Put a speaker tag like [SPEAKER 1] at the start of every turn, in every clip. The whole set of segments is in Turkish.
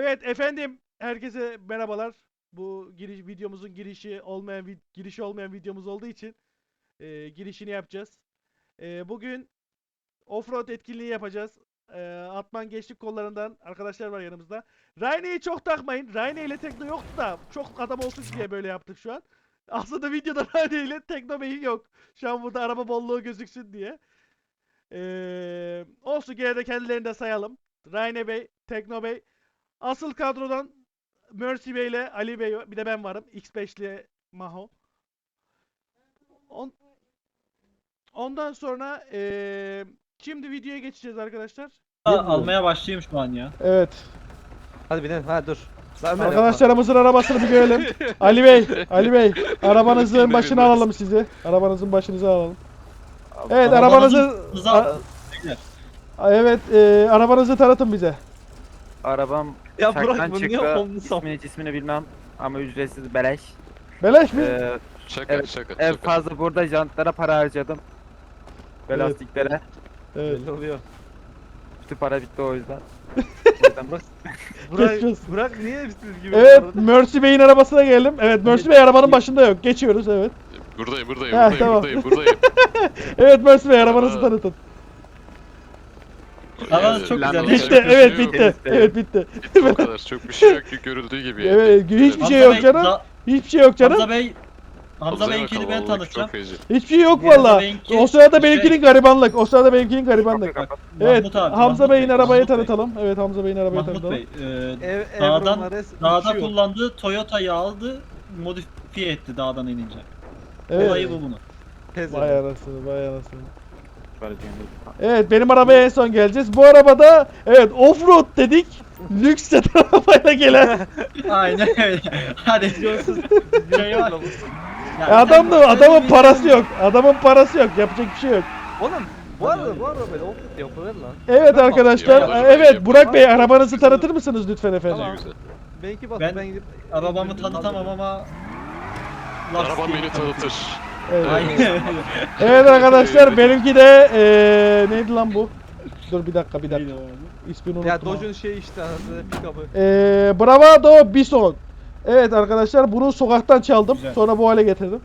[SPEAKER 1] Evet efendim, herkese merhabalar. Bu videomuzun girişi olmayan videomuz olduğu için girişini yapacağız. Bugün offroad etkinliği yapacağız. Atman Gençlik Kolları'ndan arkadaşlar var yanımızda. Rayne'yi çok takmayın. Rayne ile Tekno yoktu da çok adam olsun diye böyle yaptık şu an. Aslında videoda Rayne ile Tekno Bey yok. Şu an burada araba bolluğu gözüksün diye. Olsun, gene de kendilerini de sayalım. Rayne Bey, Tekno Bey. Asıl kadrodan Mercy Bey ile Ali Bey, bir de ben varım. X5'li Maho. On, ondan sonra şimdi videoya geçeceğiz arkadaşlar.
[SPEAKER 2] Almaya başlayayım şu an ya.
[SPEAKER 1] Evet.
[SPEAKER 3] Hadi binelim. Ha dur. Lan Ömer
[SPEAKER 1] Arkadaşlarımızın arabasını bir görelim. Ali Bey, arabanızın başına alalım sizi. Arabanızın başınıza alalım. Evet, arabanızı evet, arabanızı tanıtın bize.
[SPEAKER 3] Arabam
[SPEAKER 4] Ya
[SPEAKER 3] çaktan
[SPEAKER 4] bırak bunu niye
[SPEAKER 3] çıktı.
[SPEAKER 4] olmuşsun?
[SPEAKER 3] İsmini bilmem ama ücretsiz beleş.
[SPEAKER 1] Beleş mi?
[SPEAKER 5] Şaka
[SPEAKER 3] Evet,
[SPEAKER 5] şaka
[SPEAKER 3] en
[SPEAKER 5] şaka.
[SPEAKER 3] fazla burada jantlara para harcadım. Ve
[SPEAKER 1] Evet.
[SPEAKER 3] lastiklere.
[SPEAKER 1] Evet.
[SPEAKER 4] Belli oluyor.
[SPEAKER 3] Bütün para bitti o yüzden. O yüzden bak.
[SPEAKER 1] Geçiyoruz.
[SPEAKER 4] Burak niye hepsiniz gibi?
[SPEAKER 1] Evet, Mercy Bey'in arabasına gelelim. Evet, Mercy Bey arabanın başında yok. Geçiyoruz, evet.
[SPEAKER 5] Buradayım
[SPEAKER 1] Ha, tamam.
[SPEAKER 5] buradayım.
[SPEAKER 1] Evet Mercy Bey, arabanızı tanıtın.
[SPEAKER 2] Arabanız çok
[SPEAKER 3] Lan
[SPEAKER 2] güzel.
[SPEAKER 3] oğlum.
[SPEAKER 2] Hiç-
[SPEAKER 1] Bitti,
[SPEAKER 5] Yapacak bir
[SPEAKER 1] evet
[SPEAKER 5] şey yok.
[SPEAKER 1] bitti. Evet bitti.
[SPEAKER 5] Bitti o kadar. Çok bir şey yok ki, görüldüğü gibi yani.
[SPEAKER 1] Evet, hiçbir şey
[SPEAKER 2] Hamza
[SPEAKER 1] yok
[SPEAKER 2] Bey,
[SPEAKER 1] canım. Hiçbir şey yok canım.
[SPEAKER 2] Hamza Bey'inkini ben tanıtacağım.
[SPEAKER 5] Çok feci.
[SPEAKER 1] Hiçbir şey yok
[SPEAKER 2] Hamza
[SPEAKER 1] valla.
[SPEAKER 2] Bey'inki
[SPEAKER 1] O sırada
[SPEAKER 2] şey-
[SPEAKER 1] benimkinin garibanlık. O sırada benimkinin garibanlık.
[SPEAKER 3] Kapat.
[SPEAKER 1] Evet,
[SPEAKER 2] Mahmut abi,
[SPEAKER 1] Hamza
[SPEAKER 2] Mahmut
[SPEAKER 1] Bey'in
[SPEAKER 2] Bey,
[SPEAKER 1] arabayı
[SPEAKER 2] Mahmut Bey.
[SPEAKER 1] tanıtalım. Evet, Hamza Bey'in arabayı
[SPEAKER 2] Mahmut
[SPEAKER 1] tanıtalım.
[SPEAKER 2] Bey,
[SPEAKER 4] Dağdan
[SPEAKER 2] dağda kullandığı Toyota'yı aldı, modifiye etti dağdan inince. Olayı
[SPEAKER 1] Evet.
[SPEAKER 2] bu bunun.
[SPEAKER 1] Vay anasını, vay anasını.
[SPEAKER 3] Para diyorum.
[SPEAKER 1] Evet, benim arabaya en son geleceğiz. Bu arabada, evet, offroad dedik. Lüks sedan arabayla gelen.
[SPEAKER 2] Aynen öyle. Hadi. Şey var.
[SPEAKER 1] Adamın parası yok. Adamın parası yok. Yapacak bir şey yok.
[SPEAKER 4] Oğlum bu arada böyle offroad yapılır lan.
[SPEAKER 1] Evet arkadaşlar.
[SPEAKER 5] Yapılır,
[SPEAKER 1] Evet,
[SPEAKER 5] yapılır.
[SPEAKER 1] Burak Bey, arabanızı tanıtır mısınız lütfen efendim?
[SPEAKER 4] Tamam.
[SPEAKER 5] Güzel.
[SPEAKER 4] Benimki bak
[SPEAKER 2] Ben
[SPEAKER 4] ben gidip
[SPEAKER 2] Arabamı tanıtamam ama...
[SPEAKER 5] Arabam beni tanıtır.
[SPEAKER 1] Evet.
[SPEAKER 2] Aynen öyle.
[SPEAKER 1] Evet arkadaşlar, benimki de neydi lan bu? Dur bir dakika. İsmini unuttum.
[SPEAKER 4] ya
[SPEAKER 1] ama.
[SPEAKER 4] Dodge'un şey işte anasını pick-up'ı.
[SPEAKER 1] Bravado Bison. Evet arkadaşlar, bunu sokaktan çaldım.
[SPEAKER 2] Güzel.
[SPEAKER 1] Sonra bu hale getirdim.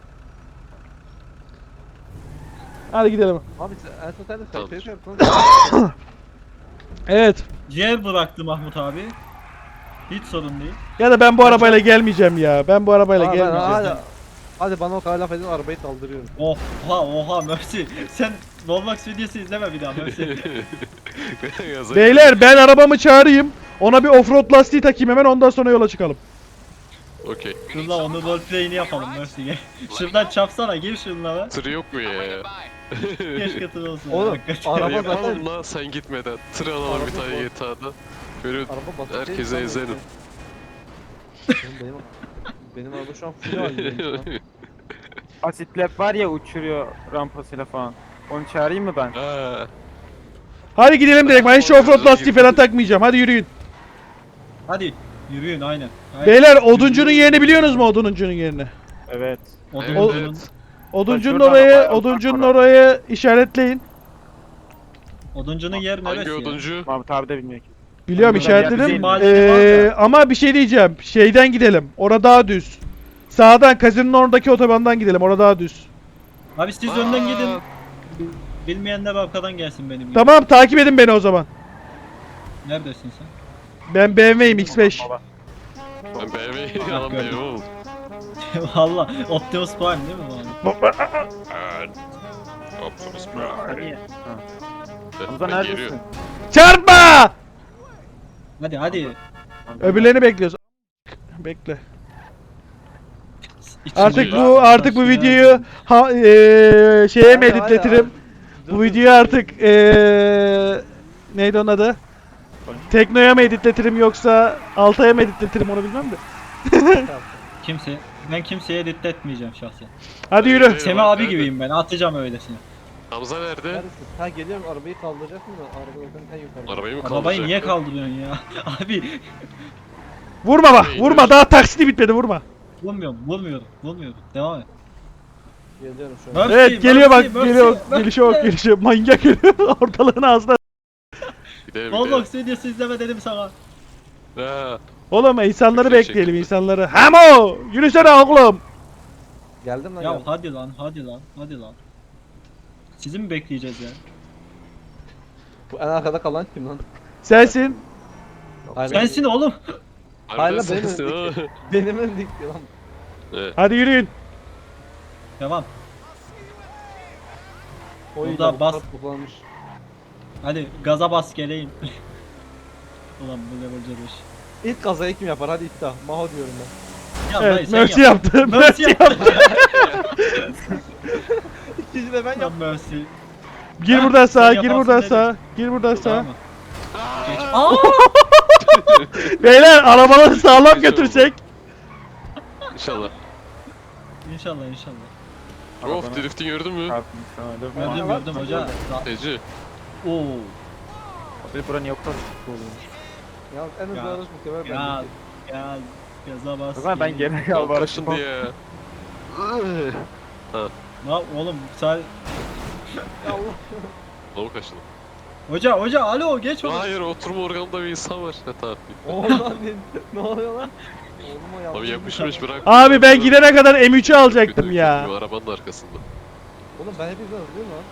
[SPEAKER 1] Hadi gidelim.
[SPEAKER 4] Abi en son sen de
[SPEAKER 5] Tamam.
[SPEAKER 4] sayfayı yaptın.
[SPEAKER 1] Evet.
[SPEAKER 2] Ciğer bıraktı Mahmut abi. Hiç sorun değil.
[SPEAKER 1] Ya da ben bu arabayla gelmeyeceğim ya. Ben bu arabayla gelmeyeceğim.
[SPEAKER 4] Hadi bana o kadar laf edin arabayı kaldırıyorum.
[SPEAKER 2] Oha Mercy. Sen Roblox videosu izleme bir daha Mercy.
[SPEAKER 1] Beyler, ben arabamı çağırayım. Ona bir offroad lastiği takayım hemen, ondan sonra yola çıkalım.
[SPEAKER 5] Okey.
[SPEAKER 2] Dur lan onu roleplay'ini yapalım Mercy gel. Şuradan çapsana gir şunlara.
[SPEAKER 5] Tır yok mu ya?
[SPEAKER 2] Keşke tır olsun.
[SPEAKER 4] Oğlum,
[SPEAKER 2] hakikaten.
[SPEAKER 4] araba
[SPEAKER 5] Yapalım
[SPEAKER 4] zaten-
[SPEAKER 5] lan sen gitmeden. Tır alalım bir
[SPEAKER 4] Araba
[SPEAKER 5] tane
[SPEAKER 4] bu.
[SPEAKER 5] GTA'da. Böyle
[SPEAKER 4] Araba basit değil,
[SPEAKER 5] herkese
[SPEAKER 4] sen
[SPEAKER 5] ezelim.
[SPEAKER 4] Oğlum benim araba şu an full halindeyim.
[SPEAKER 3] Asit lab var ya, uçuruyor rampasıyla falan. Onu çağırayım mı ben?
[SPEAKER 5] Ha.
[SPEAKER 1] Hadi gidelim direkt. Ben hiç offroad lastiği falan takmayacağım. Hadi yürüyün.
[SPEAKER 2] Hadi yürüyün aynen.
[SPEAKER 1] Beyler, oduncunun yerini biliyorsunuz mu, oduncunun yerini?
[SPEAKER 3] Evet.
[SPEAKER 5] Evet.
[SPEAKER 1] Oduncunun
[SPEAKER 3] Şuradan
[SPEAKER 1] orayı,
[SPEAKER 3] bayağı
[SPEAKER 1] oduncunun
[SPEAKER 3] uzak
[SPEAKER 1] orayı işaretleyin.
[SPEAKER 2] Oduncunun yer
[SPEAKER 5] Hangi
[SPEAKER 2] neresi ya?
[SPEAKER 5] oduncu?
[SPEAKER 3] Mahmut abi de bilmiyor ki.
[SPEAKER 1] Biliyorum,
[SPEAKER 3] Bizim
[SPEAKER 1] işaretledim.
[SPEAKER 2] mahallede var da.
[SPEAKER 1] Ama bir şey diyeceğim. Şeyden gidelim. Orada daha düz. Sağdan, kazinin oradaki otobandan gidelim. Orada daha düz.
[SPEAKER 2] Abi siz önden gidin. Bilmeyenler arkadan gelsin benim gibi.
[SPEAKER 1] Tamam, takip edin beni o zaman.
[SPEAKER 2] Neredesin sen?
[SPEAKER 1] Ben BMW'yim X5.
[SPEAKER 3] Baba.
[SPEAKER 5] Ben BMW alan BMW oğlum.
[SPEAKER 2] Valla Optimus Prime değil mi bu abi?
[SPEAKER 5] Evet. Optimus Prime.
[SPEAKER 3] Niye?
[SPEAKER 5] Ben
[SPEAKER 3] Hamza
[SPEAKER 5] geliyorum.
[SPEAKER 3] neredesin?
[SPEAKER 1] Çarpma!
[SPEAKER 2] Hadi.
[SPEAKER 1] Öbürlerini bekliyoruz. Bekle. Artık
[SPEAKER 2] İçinde-
[SPEAKER 1] bu videoyu şeye mi editletirim? Bu videoyu artık neydi onun adı? Tekno'ya mı editletirim yoksa Altay'a mı editletirim, onu bilmem de.
[SPEAKER 2] Ben kimseye editletmeyeceğim şahsen.
[SPEAKER 1] Hadi yürü.
[SPEAKER 5] Evet.
[SPEAKER 2] Semih abi
[SPEAKER 5] nerede?
[SPEAKER 2] gibiyim ben. Atacağım öylesine.
[SPEAKER 5] Hamza nerede?
[SPEAKER 4] Neredesin? Ha geliyorum arabayı kaldıracak mı? Araba zaten en yukarıda.
[SPEAKER 5] Arabayı mı kaldıracak?
[SPEAKER 2] Arabayı niye kaldırıyorsun ya? Abi
[SPEAKER 1] Vurma bak, vurma, daha taksiti bitmedi, vurma.
[SPEAKER 2] vurmuyorum. Devam et.
[SPEAKER 4] Geliyorum şu an.
[SPEAKER 2] Mercy,
[SPEAKER 1] Evet, geliyor bak,
[SPEAKER 2] Mercy,
[SPEAKER 1] geliyor.
[SPEAKER 2] Mercy.
[SPEAKER 1] Gelişe bak, manyak geliyor. Ortalığın ağzına.
[SPEAKER 5] Gidelim
[SPEAKER 2] Roblox videosu izleme dedim sana.
[SPEAKER 5] Ha,
[SPEAKER 1] Oğlum insanları
[SPEAKER 5] Çok şey
[SPEAKER 1] bekleyelim
[SPEAKER 5] çekildi.
[SPEAKER 1] insanları. Hemo! Yürüsene oğlum.
[SPEAKER 4] Geldim lan
[SPEAKER 2] Ya
[SPEAKER 4] geldim.
[SPEAKER 2] hadi lan, hadi lan, hadi lan. Sizi mi bekleyeceğiz ya?
[SPEAKER 4] Bu en arkada kalan kim lan?
[SPEAKER 1] Sensin.
[SPEAKER 4] Hayır,
[SPEAKER 2] Sensin oğlum.
[SPEAKER 4] Hayır lan, benim
[SPEAKER 5] sensin
[SPEAKER 4] öndeki.
[SPEAKER 5] ha.
[SPEAKER 4] Benim öndeki lan.
[SPEAKER 5] Evet.
[SPEAKER 1] Hadi yürüyün.
[SPEAKER 2] Devam.
[SPEAKER 4] O iyi
[SPEAKER 2] Burada
[SPEAKER 4] lan, bu
[SPEAKER 2] bas.
[SPEAKER 4] kart toplanmış.
[SPEAKER 2] Hadi gaza bas geleyim. Ulan bu level C5.
[SPEAKER 4] İlk kazayı kim yapar? Hadi iddia. Maho diyorum ben.
[SPEAKER 2] Ya dayı
[SPEAKER 1] Evet,
[SPEAKER 2] sen
[SPEAKER 1] Mercy
[SPEAKER 2] yap.
[SPEAKER 1] yaptı.
[SPEAKER 2] Mercy
[SPEAKER 1] Mercy
[SPEAKER 2] yaptı.
[SPEAKER 4] İkinci de ben
[SPEAKER 2] Lan
[SPEAKER 4] yaptım.
[SPEAKER 2] Mercy.
[SPEAKER 1] Gir
[SPEAKER 2] Ha,
[SPEAKER 1] buradan sağa,
[SPEAKER 2] sen
[SPEAKER 1] gir
[SPEAKER 2] yaparsın
[SPEAKER 1] buradan
[SPEAKER 2] dedim.
[SPEAKER 1] sağa. Gir buradan sağa.
[SPEAKER 2] Tamam mı? Geç. Aa!
[SPEAKER 1] Beyler arabaları sağlam
[SPEAKER 5] Geç oldu.
[SPEAKER 1] götürsek.
[SPEAKER 5] İnşallah.
[SPEAKER 2] İnşallah inşallah.
[SPEAKER 5] Of drifting gördün mü?
[SPEAKER 3] Çarptım sana.
[SPEAKER 2] Gördüm
[SPEAKER 4] Aa,
[SPEAKER 2] gördüm
[SPEAKER 4] bak,
[SPEAKER 2] hoca.
[SPEAKER 5] Ece.
[SPEAKER 2] Oo.
[SPEAKER 3] Abi buranın yok kadar oluyormuş.
[SPEAKER 4] Ya en hızlı
[SPEAKER 2] Ya.
[SPEAKER 4] araç muhtemelen
[SPEAKER 2] Ya
[SPEAKER 4] bendeki.
[SPEAKER 2] ya gaza bas.
[SPEAKER 3] O zaman ben
[SPEAKER 2] geleyim.
[SPEAKER 3] geri
[SPEAKER 5] Yol
[SPEAKER 3] kaldım.
[SPEAKER 5] kaşındı ya.
[SPEAKER 2] Ne oğlum sen
[SPEAKER 4] Ya Allah.
[SPEAKER 5] Yol kaşındı.
[SPEAKER 2] hoca alo geç onu.
[SPEAKER 5] Hayır oturma organında bir insan var. Ne tamam.
[SPEAKER 4] Oğlan ne oluyor lan? Oğluma
[SPEAKER 5] Abi
[SPEAKER 4] yaptım.
[SPEAKER 5] yapışmış bırak.
[SPEAKER 1] Abi ben gidene kadar M3'ü alacaktım
[SPEAKER 5] Kötü,
[SPEAKER 1] ya.
[SPEAKER 5] kötü, Arabanın arkasında.
[SPEAKER 4] Oğlum ben hepinizden hızlıyım lan.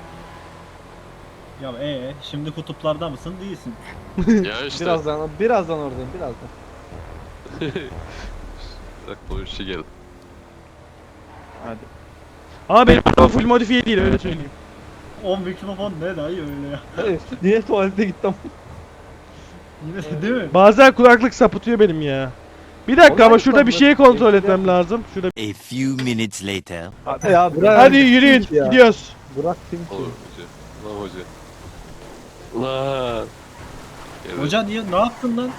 [SPEAKER 2] Ya şimdi kutuplarda mısın değilsin.
[SPEAKER 5] Ya işte.
[SPEAKER 4] Birazdan oradayım birazdan.
[SPEAKER 5] Bırak o işe geldi.
[SPEAKER 3] Hadi.
[SPEAKER 1] Ama benim araba full modifiye değil öyle söyleyeyim.
[SPEAKER 2] O mikrofon ne dayı öyle ya.
[SPEAKER 4] Hayır, niye tuvalete gittim?
[SPEAKER 2] Yine değil mi?
[SPEAKER 1] Bazen kulaklık sapıtıyor benim ya. Bir dakika
[SPEAKER 4] Onlar
[SPEAKER 1] ama şurada bir
[SPEAKER 4] kulaklık-
[SPEAKER 1] şeyi kontrol
[SPEAKER 4] Eskiden-
[SPEAKER 1] etmem lazım. Şurada.
[SPEAKER 6] A few minutes later.
[SPEAKER 4] Hadi ya bırak.
[SPEAKER 1] Hadi yürüyün gidiyoruz.
[SPEAKER 4] Burak kim ki?
[SPEAKER 5] Olur hoca. Lan hoca. Lan. Evet.
[SPEAKER 2] Hoca niye ne yaptın lan?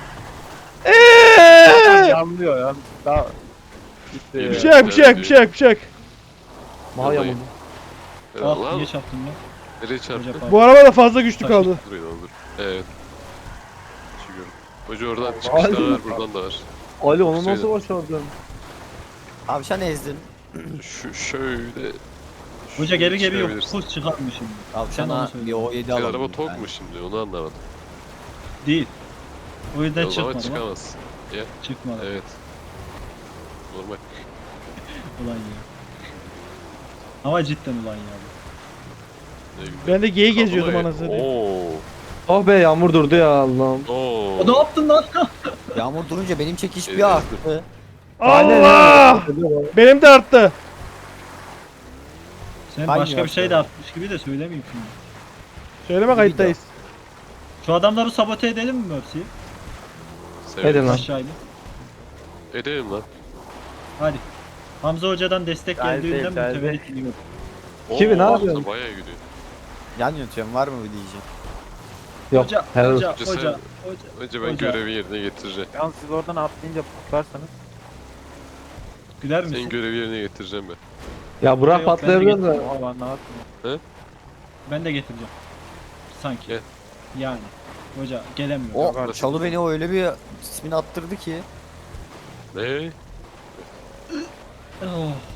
[SPEAKER 3] Yanlıyor ya. Daha gitti.
[SPEAKER 5] Bir
[SPEAKER 1] Bir şey yok, bir şey yok, bir şey yok, bir şey yok.
[SPEAKER 4] Maho
[SPEAKER 5] Vallahi.
[SPEAKER 4] yamuldu.
[SPEAKER 5] Evet,
[SPEAKER 2] Ah
[SPEAKER 5] lan.
[SPEAKER 2] niye çarptın lan?
[SPEAKER 5] Nereye çarptı?
[SPEAKER 2] Hoca
[SPEAKER 1] Bu araba da fazla güçlü kaldı.
[SPEAKER 5] Dur dur. Evet. Çıkıyorum. Hoca oradan çıkış da var, buradan da var.
[SPEAKER 4] Ali onu
[SPEAKER 5] Söyle.
[SPEAKER 4] nasıl başardın?
[SPEAKER 6] Tavşan ezdin.
[SPEAKER 5] Şöyle.
[SPEAKER 2] Hoca geri geliyor.
[SPEAKER 5] çıkabilirsin.
[SPEAKER 2] Full çıkartmış şimdi. Sen onu
[SPEAKER 6] Tavşana
[SPEAKER 2] söyle.
[SPEAKER 6] bir O7
[SPEAKER 5] Senin
[SPEAKER 6] alalım.
[SPEAKER 5] araba tok mu şimdi? Onu anlamadım.
[SPEAKER 2] Değil. O yüzden
[SPEAKER 5] O zaman
[SPEAKER 2] çıkmadı lan.
[SPEAKER 5] çıkamazsın. Ya,
[SPEAKER 2] Çıkmadı.
[SPEAKER 5] evet. Normal.
[SPEAKER 2] Ulan ya. Ama cidden ulan ya.
[SPEAKER 5] Ne güzel.
[SPEAKER 1] Ben de geyi geziyordum
[SPEAKER 5] Kapıda-
[SPEAKER 1] anasını satayım.
[SPEAKER 5] Oo.
[SPEAKER 4] Oh be yağmur durdu ya Allah'ım.
[SPEAKER 5] Oo.
[SPEAKER 2] O ne yaptın lan?
[SPEAKER 6] Yağmur durunca benim çekiş
[SPEAKER 5] Evet.
[SPEAKER 6] bir arttı.
[SPEAKER 1] Allah! Benim de arttı.
[SPEAKER 2] Sen
[SPEAKER 6] Hangi
[SPEAKER 2] başka bir şey de
[SPEAKER 6] yaptı?
[SPEAKER 2] atmış gibi de söylemeyeyim şimdi.
[SPEAKER 1] Söyleme kayıttayız.
[SPEAKER 2] Şu adamları sabote edelim mi Mercy'yi?
[SPEAKER 5] Severim.
[SPEAKER 4] Edin lan.
[SPEAKER 2] Aşağı inip.
[SPEAKER 5] Edelim lan.
[SPEAKER 2] Hadi. Hamza Hoca'dan destek
[SPEAKER 3] Geldi,
[SPEAKER 2] geldiğinden
[SPEAKER 3] geldi.
[SPEAKER 2] mütevellit gidiyor.
[SPEAKER 4] Kimi, ne
[SPEAKER 5] Oo,
[SPEAKER 4] yapıyorsun?
[SPEAKER 5] Bayağı gidiyor.
[SPEAKER 6] Yan yatıyorum var mı bir diyecek.
[SPEAKER 4] Yok.
[SPEAKER 2] Hoca,
[SPEAKER 4] helal
[SPEAKER 2] hoca,
[SPEAKER 5] olsun.
[SPEAKER 2] hoca,
[SPEAKER 5] Önce ben
[SPEAKER 2] Hoca.
[SPEAKER 5] görevi yerine getireceğim.
[SPEAKER 3] Yalnız siz oradan atlayınca patlarsanız.
[SPEAKER 2] Güler
[SPEAKER 5] Senin
[SPEAKER 2] misin?
[SPEAKER 5] görevi yerine getireceğim ben.
[SPEAKER 4] Ya Burak
[SPEAKER 2] Yok, ben de
[SPEAKER 4] patlayabilir de.
[SPEAKER 3] Oha ben ne yaptım?
[SPEAKER 2] Ben de getireceğim. Sanki.
[SPEAKER 5] Gel.
[SPEAKER 2] Yani. Hoca gelemiyor.
[SPEAKER 6] O
[SPEAKER 5] Yok,
[SPEAKER 6] çalı beni o öyle bir ismini attırdı ki.
[SPEAKER 5] Ne?
[SPEAKER 2] Oh.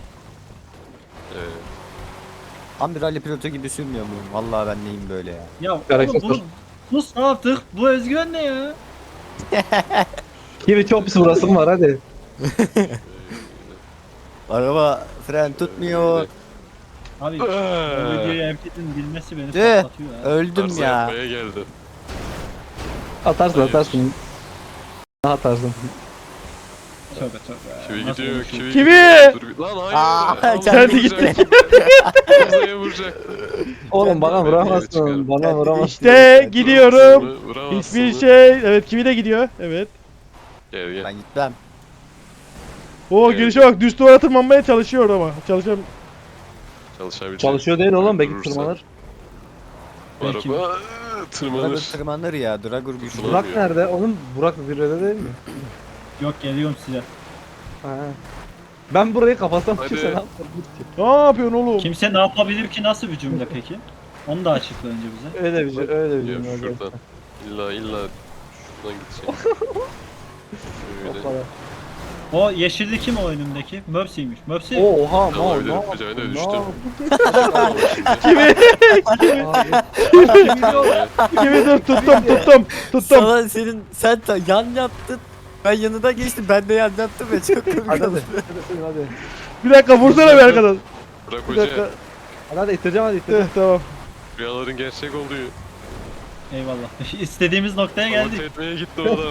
[SPEAKER 6] Tam bir rally pilotu gibi sürmüyor muyum? Vallahi ben neyim böyle ya.
[SPEAKER 2] Ya oğlum
[SPEAKER 4] Hareket
[SPEAKER 2] bu...
[SPEAKER 4] dur.
[SPEAKER 2] Sus ne yaptık? Bu özgüven ne ya?
[SPEAKER 4] Kimi çok pis vurasım var hadi.
[SPEAKER 6] Araba fren tutmuyor.
[SPEAKER 2] Abi bu videoyu herkesin bilmesi beni
[SPEAKER 6] Tüh.
[SPEAKER 2] patlatıyor ya.
[SPEAKER 6] Öldüm
[SPEAKER 5] Arsa
[SPEAKER 6] ya.
[SPEAKER 5] yapmaya geldi.
[SPEAKER 4] Atarsın
[SPEAKER 5] Hayır.
[SPEAKER 4] atarsın. Atarsın.
[SPEAKER 2] Tövbe tövbe.
[SPEAKER 5] Kivi
[SPEAKER 2] Nasıl
[SPEAKER 5] gidiyor,
[SPEAKER 2] konuşuyor?
[SPEAKER 5] kivi
[SPEAKER 1] Kivi!
[SPEAKER 5] Dur bir... Lan hayır.
[SPEAKER 6] Aa,
[SPEAKER 5] Hamza'ya
[SPEAKER 6] kendi
[SPEAKER 5] vuracak.
[SPEAKER 1] gitti.
[SPEAKER 5] Hamza'ya vuracak.
[SPEAKER 4] Oğlum bana
[SPEAKER 5] Ben de
[SPEAKER 4] vuramazsın.
[SPEAKER 5] çıkarım.
[SPEAKER 4] Bana vuramazsın.
[SPEAKER 1] İşte gidiyorum.
[SPEAKER 5] Vuramazsın mı? Vuramazsın
[SPEAKER 1] Hiçbir
[SPEAKER 5] mı?
[SPEAKER 1] şey. Evet kimi de gidiyor. Evet.
[SPEAKER 5] Gel gel.
[SPEAKER 6] Ben gitmem.
[SPEAKER 1] O
[SPEAKER 5] Evet.
[SPEAKER 1] girişe bak düz duvara tırmanmaya çalışıyor ama. Çalışam.
[SPEAKER 5] Çalışabilecek.
[SPEAKER 4] Çalışıyor değil oğlum belki
[SPEAKER 5] Durursa.
[SPEAKER 4] tırmanır.
[SPEAKER 5] Bu
[SPEAKER 2] Belki
[SPEAKER 5] araba
[SPEAKER 6] Dragur
[SPEAKER 5] tırmanır.
[SPEAKER 6] tırmanır ya. Dragur güçlü.
[SPEAKER 5] Tırmanır.
[SPEAKER 4] Burak nerede? Onun Burak zirvede değil mi?
[SPEAKER 2] Yok geliyorum size.
[SPEAKER 4] Ha. Ben burayı kapatsam
[SPEAKER 5] Hadi.
[SPEAKER 4] kimse ne yapar?
[SPEAKER 1] Ne yapıyorsun oğlum?
[SPEAKER 2] Kimse ne yapabilir ki nasıl bir cümle peki? Onu da açıkla önce bize.
[SPEAKER 4] Öyle bir şey, öyle bir
[SPEAKER 5] Ya
[SPEAKER 4] şey.
[SPEAKER 5] şuradan. İlla şuradan gidecek.
[SPEAKER 4] O
[SPEAKER 5] Şöyle.
[SPEAKER 4] kadar.
[SPEAKER 2] O yeşilli kim o önümdeki? Mercy'ymiş. Mercy.
[SPEAKER 4] Oha ne
[SPEAKER 5] Olabilir.
[SPEAKER 4] oldu?
[SPEAKER 5] Hocam ben de
[SPEAKER 4] Ne
[SPEAKER 5] düştüm.
[SPEAKER 4] oldu?
[SPEAKER 1] Kimi? Kimi dur tuttum.
[SPEAKER 6] Sana sen yan yattın. Ben yanına geçtim. Ben de yan yattım ya. Çok komik
[SPEAKER 4] Hadi
[SPEAKER 6] oldu.
[SPEAKER 4] hadi.
[SPEAKER 1] Bir dakika vursana bir arkadan.
[SPEAKER 5] Bırak
[SPEAKER 1] Bir
[SPEAKER 5] hoca.
[SPEAKER 1] dakika.
[SPEAKER 4] Hadi ittireceğim hadi ittireceğim.
[SPEAKER 1] Tamam.
[SPEAKER 5] Rüyaların gerçek olduğu.
[SPEAKER 2] Eyvallah. İstediğimiz noktaya
[SPEAKER 5] Geldik.
[SPEAKER 2] geldik.
[SPEAKER 5] Etmeye gitti o da.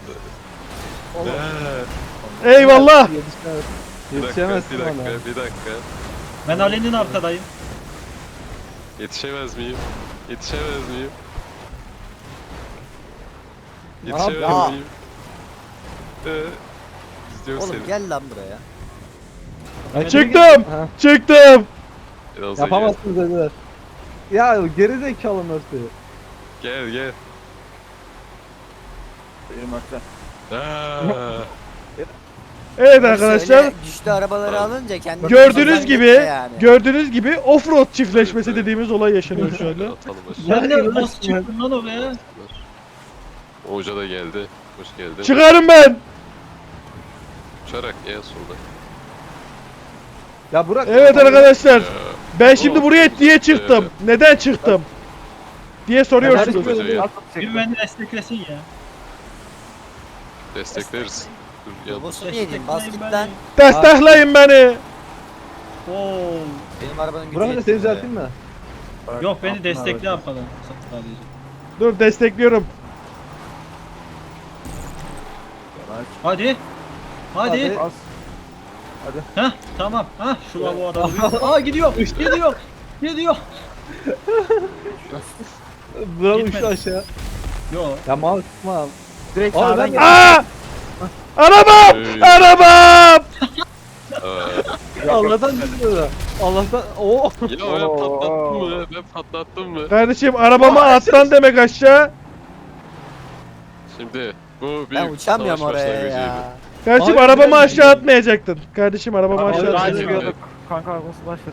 [SPEAKER 1] Eyvallah.
[SPEAKER 4] Yetişemez.
[SPEAKER 5] Bir dakika,
[SPEAKER 4] Yetişemezsin
[SPEAKER 5] bir dakika,
[SPEAKER 4] bana.
[SPEAKER 5] bir dakika.
[SPEAKER 2] Ben Ali'nin arkadayım.
[SPEAKER 5] Yetişemez miyim? Yetişemez miyim?
[SPEAKER 4] Ne
[SPEAKER 5] Yetişemez
[SPEAKER 6] yapıyorsun?
[SPEAKER 5] miyim? İzliyorum
[SPEAKER 6] Oğlum
[SPEAKER 5] seni.
[SPEAKER 6] gel lan buraya.
[SPEAKER 4] Hadi
[SPEAKER 1] Çıktım.
[SPEAKER 4] Ha,
[SPEAKER 1] Çıktım.
[SPEAKER 5] Biraz da
[SPEAKER 4] yapamazsınız dediler. Ya geri zekalı Mercy.
[SPEAKER 5] Gel.
[SPEAKER 3] Benim haklı.
[SPEAKER 5] Aa,
[SPEAKER 1] Evet arkadaşlar.
[SPEAKER 6] Öyle güçlü arabaları alınca kendi
[SPEAKER 1] Gördüğünüz gibi
[SPEAKER 6] yani.
[SPEAKER 1] offroad çiftleşmesi dediğimiz olay yaşanıyor şu anda.
[SPEAKER 5] atalım aşağı.
[SPEAKER 2] Sen de
[SPEAKER 4] inanırsın
[SPEAKER 2] nasıl çıktın lan oraya?
[SPEAKER 5] O hoca da geldi. Hoş geldin.
[SPEAKER 1] Çıkarım ben.
[SPEAKER 5] Uçarak en solda.
[SPEAKER 4] Ya Burak.
[SPEAKER 1] Evet arkadaşlar.
[SPEAKER 5] Ya,
[SPEAKER 1] Ben şimdi buraya niye çıktım? Neden çıktım? Diye soruyorsunuz.
[SPEAKER 5] Hoca gel.
[SPEAKER 2] Bir beni desteklesin ya.
[SPEAKER 5] Destekleriz. Dur gel.
[SPEAKER 6] Bosu yedim. Bas git
[SPEAKER 2] Destekleyin
[SPEAKER 6] lan.
[SPEAKER 1] Destekleyin beni.
[SPEAKER 2] Oo.
[SPEAKER 6] Benim arabanın gücü
[SPEAKER 4] Burak'ı da seni
[SPEAKER 6] yetmiyor
[SPEAKER 4] düzelteyim mi?
[SPEAKER 2] Yok beni destekle arkadan sadece.
[SPEAKER 1] Dur destekliyorum.
[SPEAKER 2] Hadi. Hadi.
[SPEAKER 4] Hadi.
[SPEAKER 2] Heh tamam. Heh şu lavuğu adamı. Aa gidiyor. Gidiyor.
[SPEAKER 4] Burak
[SPEAKER 2] Gitmedi.
[SPEAKER 4] uçtu aşağı.
[SPEAKER 2] Yo.
[SPEAKER 4] Ya mal sıkma.
[SPEAKER 3] Direkt
[SPEAKER 4] Oğlum
[SPEAKER 3] sağdan
[SPEAKER 4] ben
[SPEAKER 1] Aa! Arabam! Arabam!
[SPEAKER 5] Aa,
[SPEAKER 4] Allah'tan düşüyor. Allah'tan. Oo.
[SPEAKER 5] ya ben patlattım mı? Ben patlattım mı?
[SPEAKER 1] Kardeşim arabama atlan demek aşağı.
[SPEAKER 5] Şimdi bu bir
[SPEAKER 6] Ben uçamıyorum
[SPEAKER 5] savaş
[SPEAKER 6] oraya
[SPEAKER 5] başlangıcıydı.
[SPEAKER 6] ya.
[SPEAKER 1] Kardeşim
[SPEAKER 4] Abi,
[SPEAKER 1] arabamı
[SPEAKER 4] ben-
[SPEAKER 1] aşağı atmayacaktın. Kardeşim arabamı
[SPEAKER 4] Abi,
[SPEAKER 1] aşağı
[SPEAKER 4] ben-
[SPEAKER 1] atmayacaktın.
[SPEAKER 5] Evet.
[SPEAKER 3] Kanka arabası başladı.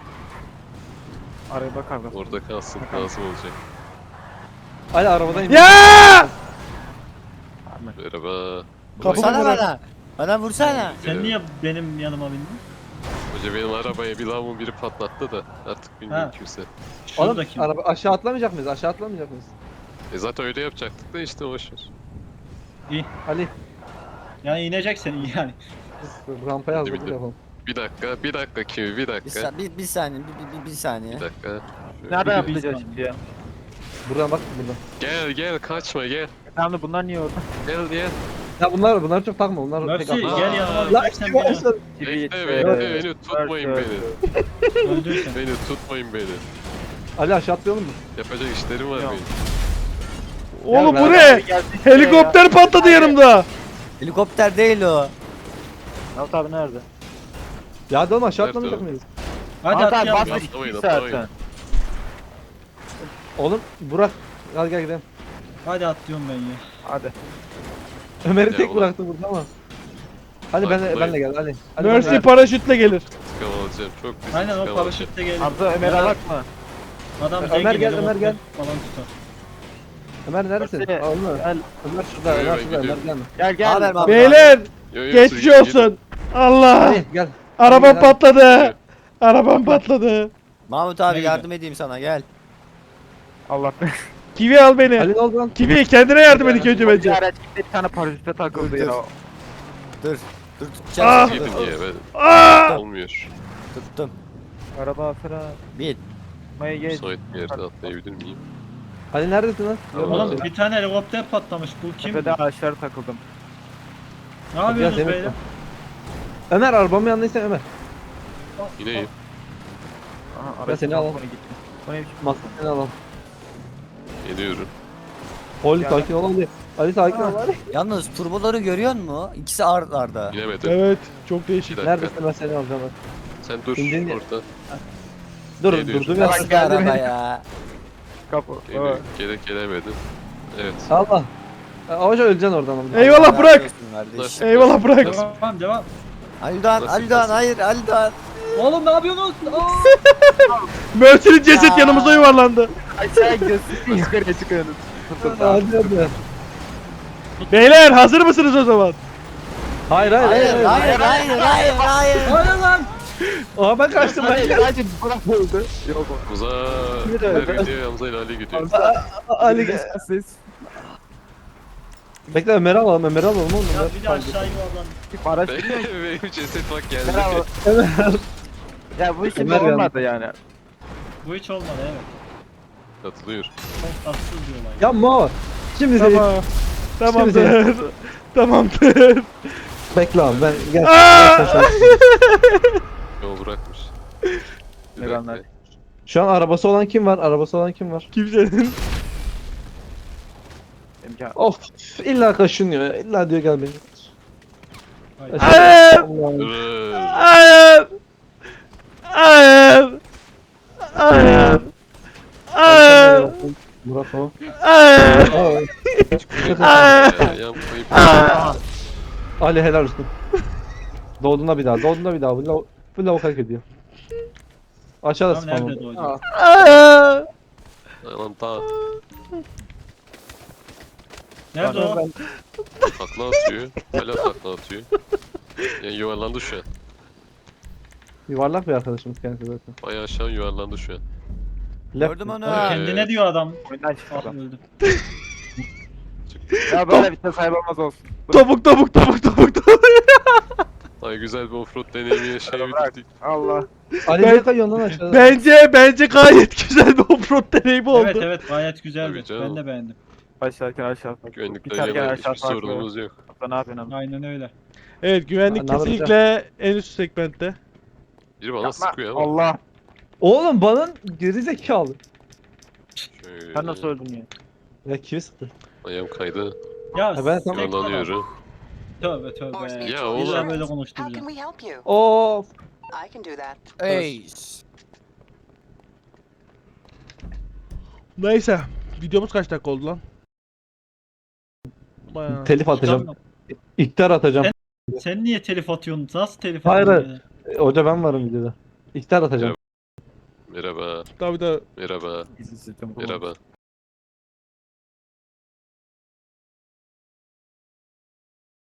[SPEAKER 3] Araba kavgası.
[SPEAKER 5] Orada kalsın lazım olacak.
[SPEAKER 4] Hadi arabadan in.
[SPEAKER 1] Ya!
[SPEAKER 5] Merhaba.
[SPEAKER 1] Kapı
[SPEAKER 6] Vursana
[SPEAKER 1] bırak.
[SPEAKER 6] bana. Bana vursana.
[SPEAKER 2] Sen niye benim yanıma bindin?
[SPEAKER 5] Hoca benim arabaya bir lavuğun biri patlattı da artık bilmiyorum
[SPEAKER 2] Ha.
[SPEAKER 5] kimse.
[SPEAKER 4] Oğlum
[SPEAKER 2] Şuradaki.
[SPEAKER 4] araba aşağı atlamayacak mıyız? Aşağı atlamayacak mıyız?
[SPEAKER 5] Zaten öyle yapacaktık da işte boşver.
[SPEAKER 4] Ali.
[SPEAKER 2] Yani ineceksin yani.
[SPEAKER 4] Rampaya hazırlık
[SPEAKER 5] Bildim.
[SPEAKER 4] yapalım.
[SPEAKER 5] Bir dakika kimi bir dakika.
[SPEAKER 6] Bir saniye. Bir saniye.
[SPEAKER 5] Bir dakika.
[SPEAKER 3] Nereden
[SPEAKER 2] Bir-
[SPEAKER 3] atlayacağız şimdi ya?
[SPEAKER 4] Buradan bak buradan.
[SPEAKER 5] Gel kaçma gel.
[SPEAKER 3] Tamam da bunlar niye orada?
[SPEAKER 5] Gel.
[SPEAKER 4] Ya bunlar çok takma. Bunlar
[SPEAKER 2] Mercy
[SPEAKER 4] tek atma.
[SPEAKER 2] gel yanıma
[SPEAKER 4] Lan
[SPEAKER 2] bineceksen beni
[SPEAKER 4] başladı.
[SPEAKER 5] Beni tutmayın beni.
[SPEAKER 2] öldürsen.
[SPEAKER 5] Beni tutmayın beni.
[SPEAKER 4] Ali aşağı atlayalım mı?
[SPEAKER 5] Yapacak işlerim var
[SPEAKER 3] Yok.
[SPEAKER 5] benim.
[SPEAKER 1] Oğlum bu
[SPEAKER 4] beraber
[SPEAKER 1] ne? Helikopter patladı yanımda.
[SPEAKER 6] Helikopter değil o.
[SPEAKER 3] Alt abi nerede?
[SPEAKER 4] Ya hadi oğlum aşağı
[SPEAKER 5] Nerede
[SPEAKER 4] atlamayacak
[SPEAKER 5] o?
[SPEAKER 4] mıyız?
[SPEAKER 2] Hadi
[SPEAKER 3] Alt abi
[SPEAKER 2] atlayalım.
[SPEAKER 3] basmış
[SPEAKER 5] Atlamayın,
[SPEAKER 3] 2
[SPEAKER 5] atlamayın.
[SPEAKER 3] zaten.
[SPEAKER 4] Oğlum Burak. Gel gidelim.
[SPEAKER 2] Hadi atlıyorum ben ya.
[SPEAKER 3] Hadi.
[SPEAKER 4] Ömer'i
[SPEAKER 5] Ya
[SPEAKER 4] tek
[SPEAKER 5] ulan.
[SPEAKER 4] bıraktı burada ama. Hadi
[SPEAKER 5] Farkındayım.
[SPEAKER 4] benle gel Ali. Hadi
[SPEAKER 1] Mercy
[SPEAKER 4] benle.
[SPEAKER 1] paraşütle gelir.
[SPEAKER 5] İntikam alacağım. Çok pis
[SPEAKER 2] Aynen o
[SPEAKER 5] intikam alacağım.
[SPEAKER 2] paraşütle gelir.
[SPEAKER 3] Arda Ömer'e bakma.
[SPEAKER 2] Adam
[SPEAKER 4] Ömer
[SPEAKER 2] zengin
[SPEAKER 4] gel,
[SPEAKER 2] helikopter
[SPEAKER 4] Ömer gel.
[SPEAKER 2] Falan tutar.
[SPEAKER 4] Ömer neredesin?
[SPEAKER 3] Mercy,
[SPEAKER 4] Aa, Ömer.
[SPEAKER 3] Gel
[SPEAKER 4] Ömer şurada.
[SPEAKER 5] Yo,
[SPEAKER 4] Ömer
[SPEAKER 5] ben
[SPEAKER 4] şurada. Ömer
[SPEAKER 5] gidiyorum.
[SPEAKER 4] gelme.
[SPEAKER 3] gel gel.
[SPEAKER 6] Haber abi.
[SPEAKER 1] Beyler
[SPEAKER 5] Yo, siz
[SPEAKER 1] geçmiş
[SPEAKER 5] gidin,
[SPEAKER 1] olsun. Allah.
[SPEAKER 4] Ali gel.
[SPEAKER 1] Arabam
[SPEAKER 4] Gel.
[SPEAKER 1] patladı. Arabam patladı.
[SPEAKER 6] Mahmut abi
[SPEAKER 2] Neydi?
[SPEAKER 6] yardım edeyim sana gel.
[SPEAKER 3] Allah be.
[SPEAKER 1] Kivi al beni.
[SPEAKER 4] Ali ne oldu lan?
[SPEAKER 1] Kivi kendine yardım et ilk önce
[SPEAKER 3] Bir
[SPEAKER 1] bence.
[SPEAKER 3] araç gitti bir tane paraşütte takıldı ya.
[SPEAKER 6] Dur. Dur
[SPEAKER 1] Ah!
[SPEAKER 6] tutacağım.
[SPEAKER 5] Gidin
[SPEAKER 6] Dur.
[SPEAKER 5] diye ben.
[SPEAKER 1] Aa!
[SPEAKER 5] Olmuyor.
[SPEAKER 6] Tuttum.
[SPEAKER 3] Araba sıra.
[SPEAKER 6] Bir.
[SPEAKER 3] Maya geç.
[SPEAKER 5] Müsait bir yerde atlayabilir miyim?
[SPEAKER 4] Ali neredesin lan?
[SPEAKER 5] Tamam.
[SPEAKER 4] Yok,
[SPEAKER 2] Oğlum
[SPEAKER 4] lan.
[SPEAKER 2] bir tane helikopter patlamış. Bu kim?
[SPEAKER 3] Tepede ağaçlara takıldım.
[SPEAKER 2] Ne
[SPEAKER 4] Biraz
[SPEAKER 2] yapıyorsunuz
[SPEAKER 4] yemek
[SPEAKER 2] beyler?
[SPEAKER 4] var. Ömer arabamın yanındaysa Ömer.
[SPEAKER 5] Yine iyi.
[SPEAKER 3] Aha,
[SPEAKER 4] Ben seni alalım.
[SPEAKER 3] gitti. Bu ne biçim?
[SPEAKER 4] Maskeni alalım.
[SPEAKER 5] Geliyorum.
[SPEAKER 4] Ali
[SPEAKER 2] Ya
[SPEAKER 4] sakin ol Ali. Ali sakin ol Ali.
[SPEAKER 6] Yalnız turboları görüyor musun? İkisi ard arda.
[SPEAKER 5] Binemedim.
[SPEAKER 1] Evet çok
[SPEAKER 5] Bir
[SPEAKER 1] değişik.
[SPEAKER 5] dakika.
[SPEAKER 4] Neredesin ben seni alacağım bak.
[SPEAKER 5] Sen dur
[SPEAKER 4] İndin ya.
[SPEAKER 5] orada.
[SPEAKER 4] Dur
[SPEAKER 5] Geliyorsun.
[SPEAKER 4] durdum ya.
[SPEAKER 6] Nasıl bir araba ya?
[SPEAKER 3] Kapı.
[SPEAKER 5] Geliyorum. Gelemedim. Evet.
[SPEAKER 4] Allah. Avaca öleceksin oradan ama.
[SPEAKER 1] Eyvallah
[SPEAKER 6] Allah
[SPEAKER 1] bırak.
[SPEAKER 6] razı olsun kardeşim.
[SPEAKER 1] Eyvallah bırak.
[SPEAKER 2] Devam.
[SPEAKER 6] Ali Doğan,
[SPEAKER 5] Nasıl
[SPEAKER 6] Ali Doğan,
[SPEAKER 5] nasıl?
[SPEAKER 6] hayır Ali Doğan.
[SPEAKER 2] Oğlum ne yapıyorsunuz? Aa!
[SPEAKER 1] Mercy'nin ceset
[SPEAKER 6] Ya.
[SPEAKER 1] yanımıza yuvarlandı.
[SPEAKER 3] Aşağı gidiyorsun. Yukarıya çıkıyorsun.
[SPEAKER 4] Hadi hadi.
[SPEAKER 1] Beyler hazır mısınız o zaman?
[SPEAKER 4] Hayır
[SPEAKER 6] Hayır hayır hayır hayır hayır.
[SPEAKER 2] Hayır lan.
[SPEAKER 4] Aa ben kaçtım ben.
[SPEAKER 3] Hadi bırak öldü. Yok o.
[SPEAKER 5] Muza
[SPEAKER 4] Bir de öyle.
[SPEAKER 5] gidiyor, Hamza ile Ali gidiyor.
[SPEAKER 4] Ali gel.
[SPEAKER 3] Siz.
[SPEAKER 4] Bekle Ömer'i alalım Ömer'i alalım oğlum.
[SPEAKER 2] Ya bir de aşağı yuvarlan.
[SPEAKER 3] Araç
[SPEAKER 5] Benim ceset bak geldi.
[SPEAKER 3] Merhaba. Ya bu işin
[SPEAKER 4] Ömer
[SPEAKER 3] olmadı yani.
[SPEAKER 2] Bu hiç olmadı evet.
[SPEAKER 5] Katılıyor.
[SPEAKER 2] Çok tatsız bir olay.
[SPEAKER 4] Ya Mo. Şimdi seni
[SPEAKER 1] Tamam. Tamamdır. Tamamdır.
[SPEAKER 4] bekle abi ben gel.
[SPEAKER 1] Aa!
[SPEAKER 4] Gel sen şöyle.
[SPEAKER 5] Yol bırakmış. Bir
[SPEAKER 3] Eyvallah.
[SPEAKER 5] dakika.
[SPEAKER 4] Şu an arabası olan kim var? Arabası olan kim var?
[SPEAKER 1] Kimsenin.
[SPEAKER 3] İmkan.
[SPEAKER 4] Of illa kaşınıyor. İlla diyor gel beni.
[SPEAKER 2] Hayır.
[SPEAKER 1] Hayır.
[SPEAKER 4] Allah'ım.
[SPEAKER 5] Dur.
[SPEAKER 1] Hayır. Hayır. Hayır. Hayır.
[SPEAKER 4] Murat o.
[SPEAKER 1] Hayır.
[SPEAKER 5] Ya, yapmayıp.
[SPEAKER 4] Ali helal olsun. Doğduğunda bir daha. Doğduğunda bir daha. Bu lavuk hak ediyor. Aşağıda
[SPEAKER 2] Tam nerede
[SPEAKER 4] spam.
[SPEAKER 2] doğdu?
[SPEAKER 1] Hayır.
[SPEAKER 5] Lan ta
[SPEAKER 2] Nerede o?
[SPEAKER 5] takla atıyor. Hala takla atıyor. Yani yuvarlandı şu an.
[SPEAKER 4] Yuvarlak bir arkadaşımız kendisi zaten.
[SPEAKER 5] Bayağı aşağı yuvarlandı şu an.
[SPEAKER 4] Left
[SPEAKER 6] Gördüm
[SPEAKER 4] mi?
[SPEAKER 6] onu.
[SPEAKER 2] Kendine diyor adam.
[SPEAKER 3] Oyundan çıktı
[SPEAKER 2] Ah
[SPEAKER 3] adam.
[SPEAKER 2] öldüm.
[SPEAKER 3] Ya böyle bir sahip olmaz olsun.
[SPEAKER 1] Topuk topuk topuk topuk topuk.
[SPEAKER 5] Ay güzel bir offroad deneyimi yaşayabildik.
[SPEAKER 3] Allah.
[SPEAKER 4] Ali
[SPEAKER 1] Ben-
[SPEAKER 4] niye kayıyorsun lan aşağıda?
[SPEAKER 1] Bence gayet güzel bir offroad deneyimi oldu.
[SPEAKER 2] Evet evet gayet güzeldi.
[SPEAKER 5] Tabii canım.
[SPEAKER 2] Ben de beğendim.
[SPEAKER 3] Başlarken aşağı bak.
[SPEAKER 5] Güvenlikle
[SPEAKER 3] Biterken
[SPEAKER 5] yana
[SPEAKER 3] aşağı
[SPEAKER 5] hiçbir
[SPEAKER 3] farklı.
[SPEAKER 5] sorunumuz yok.
[SPEAKER 3] Ne yapıyorsun abi?
[SPEAKER 2] Aynen öyle.
[SPEAKER 1] Evet, güvenlik
[SPEAKER 4] Ne yapacağım?
[SPEAKER 1] kesinlikle en üst segmentte.
[SPEAKER 5] Biri bana
[SPEAKER 3] Yapma.
[SPEAKER 5] sıkıyor ama.
[SPEAKER 3] Allah.
[SPEAKER 4] Oğlum bana geri zekalı.
[SPEAKER 5] Şöyle.
[SPEAKER 3] Sen nasıl öldün ya?
[SPEAKER 4] Ya kimi sıktı?
[SPEAKER 5] Ayağım kaydı.
[SPEAKER 2] Ya
[SPEAKER 4] Ha, ben tamam.
[SPEAKER 2] tek-
[SPEAKER 5] Yuvarlanıyorum.
[SPEAKER 2] Tövbe tövbe.
[SPEAKER 5] Ya
[SPEAKER 2] Bir
[SPEAKER 5] oğlum.
[SPEAKER 2] daha böyle
[SPEAKER 7] How
[SPEAKER 2] konuşturacağım.
[SPEAKER 7] can we help you?
[SPEAKER 4] Of.
[SPEAKER 7] I can do that.
[SPEAKER 6] Ace.
[SPEAKER 1] Neyse, videomuz kaç dakika oldu lan? Bayağı.
[SPEAKER 4] Telif atacağım.
[SPEAKER 2] Tamam.
[SPEAKER 4] İktar atacağım.
[SPEAKER 2] Sen niye telif atıyorsun? Nasıl telif
[SPEAKER 4] Hayır,
[SPEAKER 2] atıyorsun?
[SPEAKER 4] Hoca ben varım videoda. İktar atacağım.
[SPEAKER 5] Merhaba.
[SPEAKER 1] Tabii de
[SPEAKER 5] Merhaba.
[SPEAKER 3] Gizli sistem
[SPEAKER 5] Merhaba.